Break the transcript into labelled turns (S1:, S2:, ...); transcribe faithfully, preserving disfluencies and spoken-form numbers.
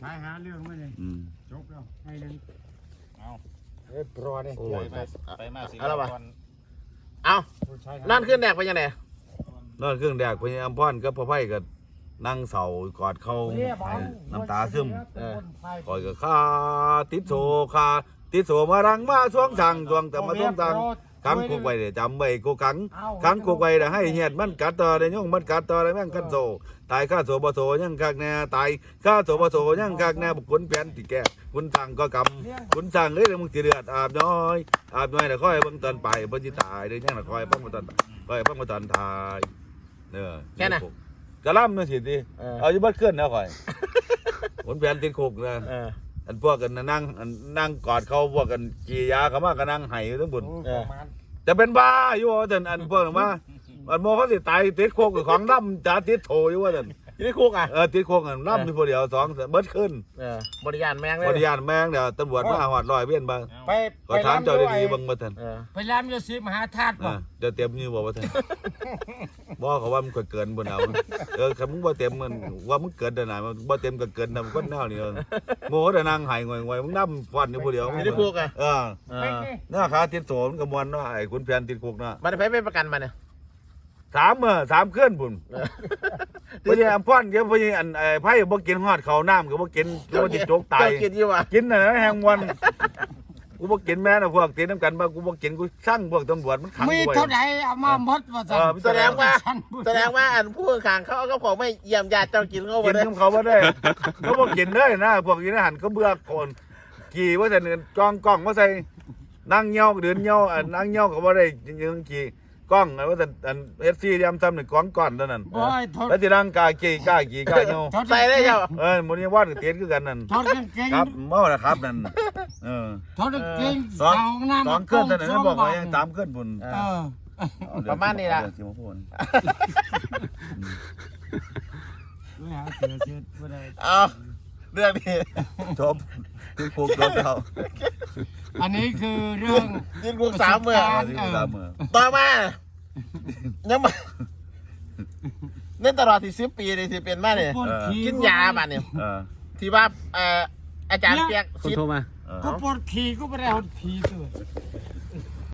S1: หาหาเรื่องมาเลยจบแล้วให้เลยเอาเรียบร้อยเลยไปมาสิเอา
S2: เอานั่นขึ้นแดกไปยังไง
S3: นั่นเครื่องแดกไปอัมพรกับพ่อไผ่กับนั่งเสากอดเขาน้ำตาซึมคอยกับข้าติดโซคาติดโซมารังมาช่วงสั่งช่วงแต่มาช่วงสั่งขังคุกไว้เดี๋ยวจำไว้กูขังขังคุกไว้เดี๋ยวให้เหียดมันกัดต่อเดี๋ยวย่งมันกัดต่อเดี๋ยวแม่งกันโซตายข้าโซบโซยังคักแน่ตายข้าโซบโซยังคักแน่บุคคลแผนที่แก่คุณสั่งก็กำคุณสั่งเอ้ยมึงตีเดือดอาบน้อยอาบน้อยเดี๋ยวค่อยเบิ่งตอนไปเพิ่นสิตายเดี๋ยวยังคอยเบิ่งมาตอนค่อยเบิ่งมาตอนตายเนื้อ
S2: แค่นั้น
S3: กระลำนั่นสิทีเอาอยู่บ้านเคลื่อนนะค่อยคุณแผนติดคุกนะอันพวกกันนั่งนั่งกอดเขาพวกกันจียาเขามากันนั่งไห้ทั้งบุญจะเป็นบ้าอยู่ว่าแต่อันพวกนั้นว่าอันโมเขาสิตายติดคุกกับของน้ำจ่าติดโถอยู่ว่าแต่
S2: ติดคุกอ่ะ
S3: เออติดคุกอ่ะน้ำมีคนเดียวสองเบิดขึ้น
S2: บริยานแมงเลย
S3: บริยานแมงเดี๋ยวตำรวจมาหอดลอยเวียนบ้างไปก็ถามเจ้าดีๆบังมาท่าน
S1: ไปร้านยาสีมหาธาตุ
S3: ป่ะเดี๋ยวเต็มยืมบอกว่าท่านบอกเขาว่ามันเกินบนเอาเออคำมึงว่าเต็มมันว่ามึงเกินแต่ไหนมันว่าเต็มก็เกินทำก้นแนวนี่เลยโง่แต่นางหายงอยๆมึงน้ำฟันอยู่คนเดียว
S2: ติดคุกอ่ะ
S3: เออหน้าขาติดโสมกับมวลว่าไอ้คุณแผนติดคุกนะ
S2: มันไปไม่ประกันมันเนี่ย
S3: สามเมื่อสามเคลื่อนบุญพยายามพ่อนเดี๋ยวพยายามไอ้ไพ่บ่กินหอดเขาน้ำก็บ่กินก็ติดโจกตาย
S2: กินยี่วะ
S3: กินน่ะแหงวันกูบ่กินแม่นะพวกตีน้ำกันมากูบ่กินกูสั่งพวกตำรวจมันขังกู
S1: มีเท่าไหร่เอามาหมดว่า
S2: แสดงว่าแสดงว่าอันผู้ขังเขาเอาของไม่เยี่ยมญาติเจ้ากินเขา
S3: กินเขาบ่ได้เขาบ่กินเลยนะพวกกินอาหารเขาเบื่อคนขี่ว่าแต่เงินกองกล้องว่าใส่นั่งเงี้ยวเดินเงี้ยวนั่งเงี้ยวเขาบ่ได้ยังขี่กล้องว่าแต่เอฟซียำทำหนึ่งก้อนก้อนเท่านั้นแล้วที่นั่งกากี่กากี่กาเงี้ยว
S2: ใส่ได้เจ้า
S3: เออมันยังว่าเตียนคือกันนั่นครับเมื่อนะครับนั่นเออ
S1: ทอดเก่ง
S3: สองสองเคลื่อนนั่นนั่นบอกว่ายังตามเคลื่อนบุญ
S2: ประมาณนี้ละเอาเรื่องนี้
S3: จบที่คุกจบแล้ว
S1: อันนี้คือเรื่อง
S2: ที่คุกสามเมื่อต่อมายังมาเล่นตลอดที่สิบปีเลยที่เป็นมาเนี่ยกินยาบ้านเนี่ยที่ว่าอาจารย์เปียก
S1: ก็ปวดขี่ก็ไม่ได้หดขี่ตัว